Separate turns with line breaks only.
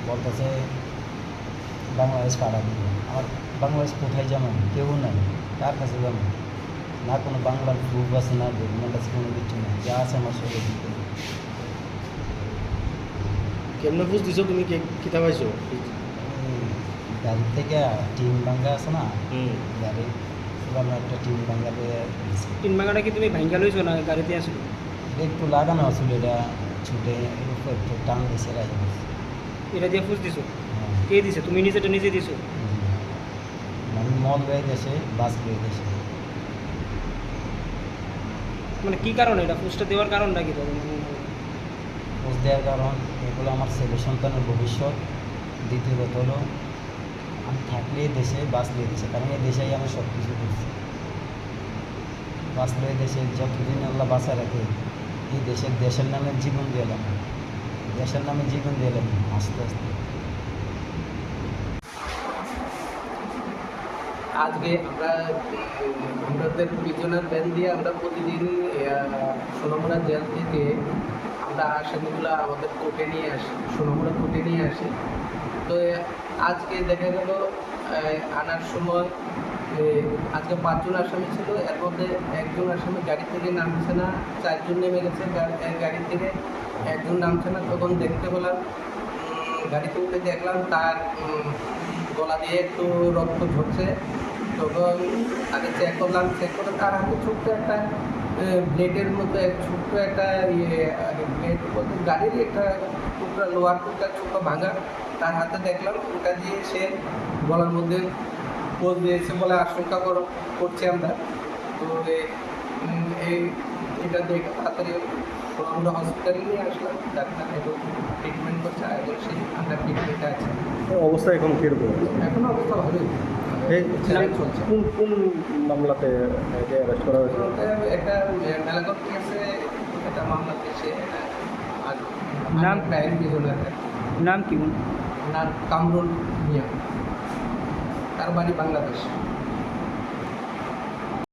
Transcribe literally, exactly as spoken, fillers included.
বলতেছে বাংলাদেশ পাড়া দিবে। আমার বাংলাদেশ কোথায় যাবেন? কেউ নাই, কার কাছে যাবেন? না কোনো বাংলার গ্রুপ আছে, না ডকুমেন্ট আছে, কোনো কিছু নেই, যা আছে আমার সঙ্গে দিতে।
কেমনে বুঝ দিছো তুমি কিতা পাইছো?
গাড়ি থেকে টিন ভাঙ্গা আছে না,
হুম
গাড়ি পুরানো একটা টিন ভাঙ্গা দিয়ে দিয়েছে।
তিন বাগাটা কি তুমি ভাঙ্গা লইছো না গাড়িতে আসলো?
একটু লাগানো আছিল, এটা ছুটে উপর একটু টান দিয়েছে রাখি দিয়েছে।
এটা দিয়ে ফুস দিছো?
হ্যাঁ,
কে দিছে? তুমি নিজেটা নিজে দিছো?
হুম। মানে মল রয়ে গেছে, বাস রয়ে গেছে।
মানে কি কারণে এটা ফুসটা দেওয়ার কারণটা কি তবে?
পোস্ট দেওয়ার কারণ এগুলো আমার ছেলে সন্তানের ভবিষ্যৎ। দ্বিতীয়ত হলো আমি থাকলে দেশে বাঁচলে দেশে, কারণ এই দেশেই আমি সব কিছু করছি। বাঁচলে দেশে যতদিন আল্লাহ বাঁচা রাখে, এই দেশের দেশের নামে জীবন দিলাম, দেশের নামে জীবন দিলাম আস্তে আস্তে।
আজকে আমরা আমাদের প্রিজনার ভ্যান দিয়ে আমরা প্রতিদিন সোনামুড়া জেল থেকে আমরা আসামিগুলো আমাদের কোর্টে নিয়ে আসি, সোনামুড়া কোর্টে নিয়ে আসি। তো আজকে দেখা গেল আনার সময় আজকে পাঁচজন আসামি ছিল, এর মধ্যে একজন আসামি গাড়ি থেকে নামছে না, চারজন নেমে গেছে গাড়ি থেকে, একজন নামছে না। তখন দেখতে পেলাম, গাড়িতে উঠে দেখলাম তার গলা দিয়ে একটু রক্ত ঝরছে। তখন আগে চেক করলাম, চেক করে তার হাতে ছোট্ট একটা ব্লেডের মতো এক ছোট্ট একটা ইয়ে ব্লেড বলতে গাড়ির একটা টুকরা, লোহার টুকরা ছোটো ভাঙা তার হাতে দেখলাম। ওটা দিয়ে সে গলার মধ্যে পোজ দিয়েছে বলে আশঙ্কা করছি আমরা। তো এই এটা দেখে তাড়াতাড়ি আমরা হসপিটালে নিয়ে আসলাম, ডাক্তার এখন ট্রিটমেন্ট করছে, এবং সেই আমরা ট্রিটমেন্টে আছে।
অবস্থা এখন কিরকম?
এখন অবস্থা ভালোই,
এই
চলছে।
কোন কোন মামলাতে অ্যারেস্ট করা হয়েছে?
একটা মেলাগত কেসে একটা মামলা পেয়েছে।
নাম?
ক্রাইম ডিভিশনের
নাম কি?
নাম কামরুল মিয়া, তার বাড়ি বাংলাদেশ।